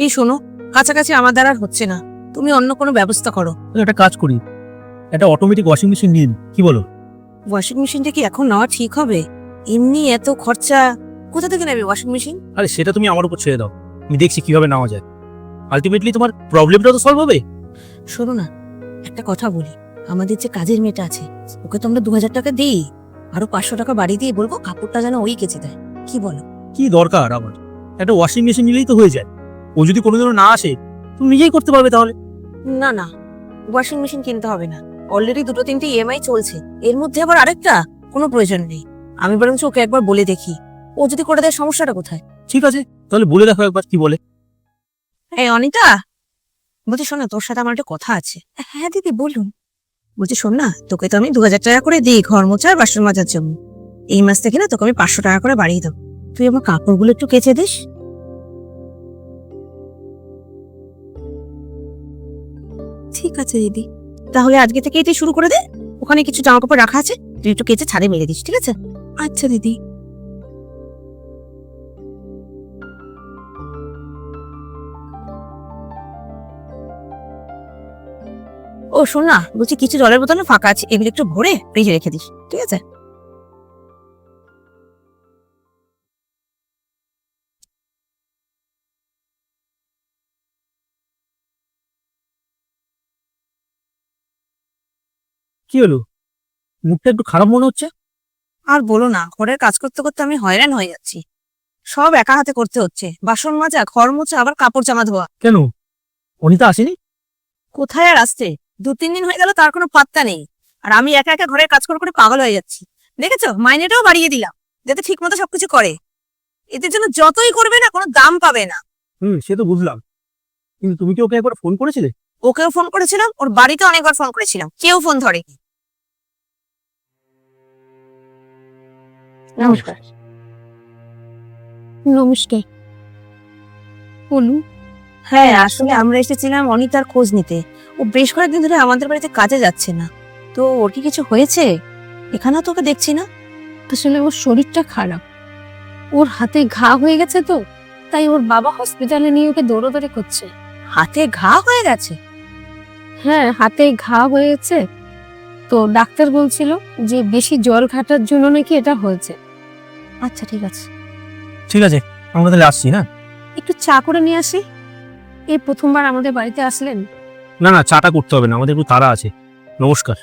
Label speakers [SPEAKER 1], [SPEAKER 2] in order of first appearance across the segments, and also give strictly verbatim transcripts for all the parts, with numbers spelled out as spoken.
[SPEAKER 1] এই শোনো, কাছাকাছি আমার দ্বারা আর হচ্ছে না, তুমি অন্য কোনো ব্যবস্থা করো।
[SPEAKER 2] একটা কাজ করি, একটা অটোমেটিক ওয়াশিং মেশিন নিন, কি বলো?
[SPEAKER 1] ওয়াশিং মেশিনটা কি এখন নেওয়া ঠিক হবে? এমনি এত খরচা, কোথা থেকে নেবে ওয়াশিং মেশিন?
[SPEAKER 2] আরে সেটা তুমি আমার উপর ছেড়ে দাও, আমি দেখছি কিভাবে নেওয়া যায়। আলটিমেটলি তোমার প্রবলেমটা তো সলভ হবে।
[SPEAKER 1] শোনো না, একটা কথা বলি, আমাদের যে কাজের মেয়েটা আছে ওকে তো আমরা দু হাজার টাকা দিই, আরো পাঁচশো টাকা বাড়ি দিয়ে বলবো কাপড়টা যেন ওই কেচে দেয়, কি বলো?
[SPEAKER 2] কি দরকার আমার, একটা ওয়াশিং মেশিন নিলেই তো হয়ে যায়। ও যদি কোনোদিনও না আসে তুমি নিজেই করতে পারবে তাহলে।
[SPEAKER 1] না না, ওয়াশিং মেশিন কিনতে হবে না, অলরেডি দুটো তিনটে ইএমআই চলছে, এর মধ্যে আবার আরেকটা, কোনো প্রয়োজন নেই। আমি বরঞ্চ ওকে একবার বলে দেখি, ও যদি করে দেয় সমস্যাটা কোথায়?
[SPEAKER 2] ঠিক আছে, তাহলে বলে দেখো একবার কি বলে।
[SPEAKER 1] এই অনিতা, বলছি শোন না, তোর সাথে আমার একটা কথা আছে। হ্যাঁ দিদি বলুন। বলছি শোন না, তোকে তো আমি দু হাজার টাকা করে দিই ঘর মোছা আর বাসন মাজার জন্য, এই মাস থেকে না তোকে আমি পাঁচশো টাকা করে বাড়িয়ে দেবো, তুই আমার কাপড়গুলো একটু কেচে দিস। ঠিক আছে দিদি, তাহলে আজকে থেকেই তুই শুরু করে দে, ওখানে কিছু জামা কাপড় রাখা আছে, তুই একটু কেচে ছাদে মেরে দিস, ঠিক আছে? আচ্ছা দিদি। ও শোন না, বলছি কিছু জলের বোতল না ফাঁকা আছে, এগুলো একটু ভরে ফ্রিজে রেখে দিস, ঠিক আছে?
[SPEAKER 2] কি হলো, মুখটা একটু খারাপ মনে হচ্ছে?
[SPEAKER 1] আর বলো না, ঘরের কাজ করতে করতে আমি হয়রান হয়ে যাচ্ছি, সব একা হাতে করতে হচ্ছে, বাসন মাজা, ঘর মোছা, আবার কাপড় জামা ধোয়া।
[SPEAKER 2] কেন, অনিতা আসেনি?
[SPEAKER 1] কোথায় আর আসছে, দু তিন দিন হয়ে গেল, তার কোনো পাত্তা নেই। আর আমি একা একা ঘরের কাজ করে করে পাগল হয়ে যাচ্ছি। দেখেছো, মাইনেটাও বাড়িয়ে দিলাম যাতে ঠিক মতো সবকিছু করে, এদের জন্য যতই করবে না কোনো দাম পাবে না।
[SPEAKER 2] হুম, সে তো বুঝলাম, কিন্তু তুমি কি ওকে একবার ফোন করেছিলে?
[SPEAKER 1] ওকেও ফোন করেছিলাম, ওর বাড়িতে অনেকবার ফোন করেছিলাম, কেউ ফোন ধরেনি। নমস্কার।
[SPEAKER 3] নমস্কার, বলুন।
[SPEAKER 1] হ্যাঁ, আসলে আমরা এসেছিলাম অনিতার খোঁজ নিতে, ও বেশ কয়েকদিন ধরে আমাদের বাড়িতে কাজে যাচ্ছে না, তো ওর কি কিছু হয়েছে? এখানেও তোকে দেখছি না।
[SPEAKER 3] আসলে ওর শরীরটা খারাপ, ওর হাতে ঘা হয়ে গেছে, তো তাই ওর বাবা হসপিটালে নিয়ে ওকে দৌড়াদৌড়ি করছে।
[SPEAKER 1] হাতে ঘা হয়ে গেছে?
[SPEAKER 3] হ্যাঁ, হাতে ঘা হয়ে গেছে, তো ডাক্তার বলছিল যে বেশি জল ঘাটার জন্য নাকি এটা হয়েছে।
[SPEAKER 1] আচ্ছা ঠিক আছে।
[SPEAKER 2] ঠিক আছে, আমরা তাহলে আসছি। না
[SPEAKER 3] একটু চা করে নিয়ে আসি, এই প্রথমবার আমাদের বাড়িতে আসলেন।
[SPEAKER 2] না না, চাটা করতে হবে না, আমাদের একটু তাড়া আছে। নমস্কার।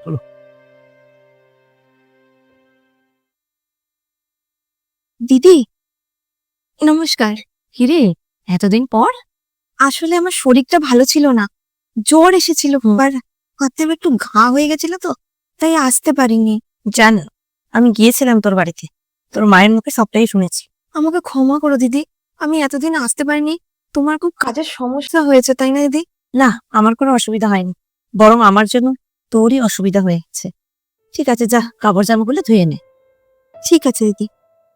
[SPEAKER 1] দিদি নমস্কার। হিরে, এতদিন পর? আসলে আমার শরীরটা ভালো ছিল না, জ্বর এসেছিল, আর হাতে একটু ঘা হয়ে গেছিল, তো তাই আসতে পারিনি। জানো, আমি গিয়েছিলাম তোর বাড়িতে, তোর মায়ের মুখে সবটাই শুনেছি। আমাকে ক্ষমা করো দিদি, আমি এতদিন আসতে পারিনি, তোমার খুব কাজের সমস্যা হয়েছে তাই না দিদি? না, আমার কোনো অসুবিধা হয়নি, বরং আমার জন্য তোরই অসুবিধা হয়ে গেছে। ঠিক আছে, যা কাপড় জামাগুলো ধুয়ে নে। ঠিক আছে দিদি।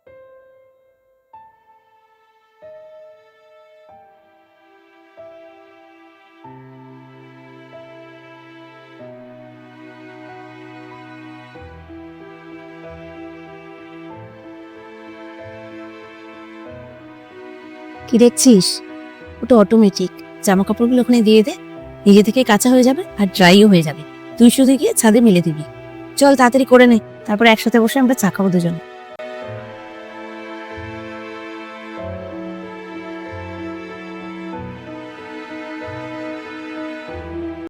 [SPEAKER 1] কি দেখছিস? ওটা অটোমেটিক, জামা কাপড়গুলো ওখানে দিয়ে দে, নিজে থেকে কাঁচা হয়ে যাবে আর ড্রাইও হয়ে যাবে, তুই শুধু গিয়ে ছাদে মেলে দিবি। চল তাড়াতাড়ি করে নে, তারপরে একসাথে বসে আমরা চা খাবো দুজনে।